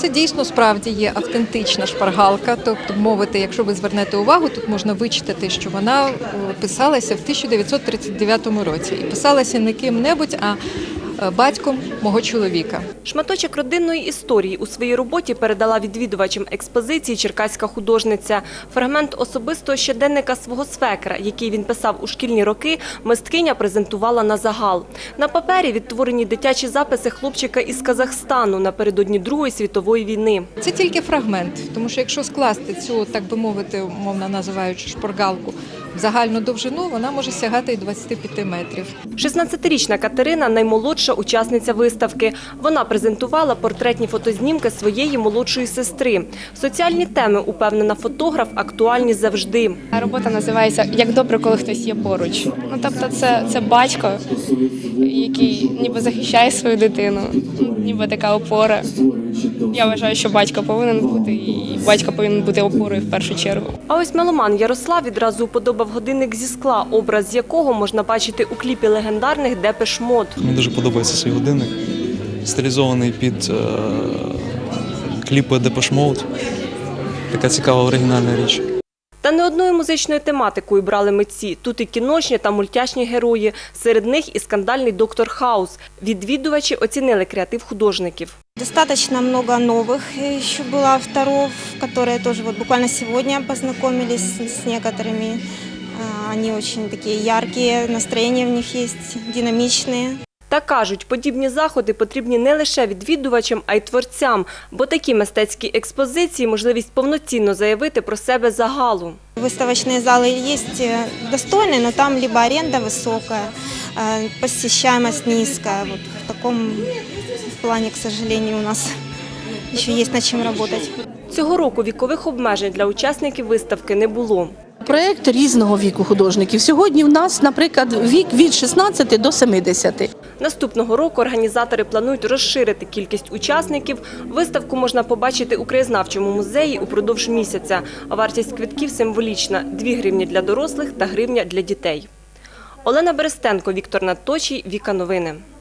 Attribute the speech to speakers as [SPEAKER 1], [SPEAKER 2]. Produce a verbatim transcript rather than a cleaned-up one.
[SPEAKER 1] Це дійсно справді є автентична шпаргалка, тобто, мовити, якщо ви звернете увагу, тут можна вичитати, що вона писалася в тисяча дев'ятсот тридцять дев'ятому році. І писалася не ким-небудь, а батьком мого чоловіка.
[SPEAKER 2] Шматочок родинної історії у своїй роботі передала відвідувачам експозиції черкаська художниця. Фрагмент особистого щоденника свого свекра, який він писав у шкільні роки, мисткиня презентувала на загал. На папері відтворені дитячі записи хлопчика із Казахстану напередодні Другої світової війни.
[SPEAKER 1] Це тільки фрагмент, тому що якщо скласти цю, так би мовити, умовно називаючи шпаргалку, в загальну довжину, вона може сягати і двадцяти п'яти метрів.
[SPEAKER 2] шістнадцятирічна Катерина – наймолодша учасниця виставки. Вона презентувала портретні фотознімки своєї молодшої сестри. Соціальні теми, упевнена фотограф, актуальні завжди.
[SPEAKER 3] Робота називається «Як добре, коли хтось є поруч». Ну, тобто це, це батько, який ніби захищає свою дитину, ніби така опора. Я вважаю, що батько повинен бути, і батько повинен бути опорою в першу чергу.
[SPEAKER 2] А ось меломан Ярослав відразу уподобав годинник зі скла, образ якого можна бачити у кліпі легендарних Депеш Мод.
[SPEAKER 4] Мені дуже подобається цей годинник, стилізований під е кліпи Депеш Мод. Така цікава оригінальна річ.
[SPEAKER 2] Та не одною музичною тематикою брали митці. Тут і кіношні та мультяшні герої. Серед них і скандальний доктор Хаус. Відвідувачі оцінили креатив художників.
[SPEAKER 5] Достаточно много новых еще было авторов, которые тоже вот буквально сегодня познакомились с некоторыми. Они очень такие яркие, настроение в них есть, динамичные.
[SPEAKER 2] Та кажуть, подібні заходи потрібні не лише відвідувачам, а й творцям, бо такі мистецькі експозиції – можливість повноцінно заявити про себе загалу.
[SPEAKER 5] Выставочные залы есть достойные, но там либо аренда высокая, посещаемость низкая. Вот в таком плане, к сожалению, у нас еще есть над чем работать.
[SPEAKER 2] Цього року вікових обмежень для учасників виставки не було.
[SPEAKER 6] Проєкт різного віку художників. Сьогодні в нас, наприклад, вік від шістнадцяти до семидесяти.
[SPEAKER 2] Наступного року організатори планують розширити кількість учасників. Виставку можна побачити у краєзнавчому музеї упродовж місяця. Вартість квитків символічна – дві гривні для дорослих та гривня для дітей. Олена Берестенко, Віктор Надточій, Віка Новини.